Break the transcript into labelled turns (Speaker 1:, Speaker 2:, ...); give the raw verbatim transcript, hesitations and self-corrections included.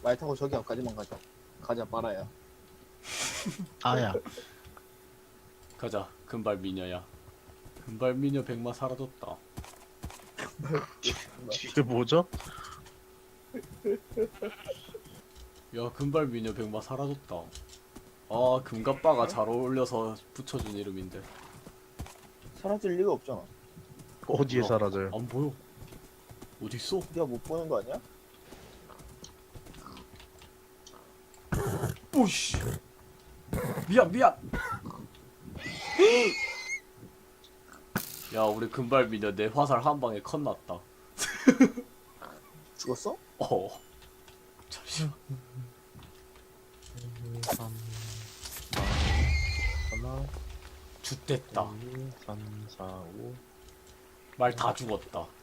Speaker 1: 말 타고 저기 앞까지만 가자. 가자 빨아야.
Speaker 2: 아야.
Speaker 3: 가자 금발 미녀야. 금발 미녀 백마 사라졌다.
Speaker 2: 그게 뭐죠?
Speaker 3: 야 금발 미녀 백마 사라졌다. 아 금갑바가 잘 어울려서 붙여준 이름인데
Speaker 1: 사라질 리가 없잖아.
Speaker 2: 어디에
Speaker 3: 뭐야?
Speaker 2: 사라져요?
Speaker 3: 안 보여. 어딨어?
Speaker 1: 네가 못 보는 거 아니야?
Speaker 3: 오씨 미안 미안. 야 우리 금발 미녀 내 화살 한 방에 컷 났다.
Speaker 1: 죽었어?
Speaker 3: 어 잠시만.
Speaker 2: 하나,
Speaker 3: 죽됐다.
Speaker 2: 둘, 삼, 사, 오.
Speaker 3: 말 다 죽었다.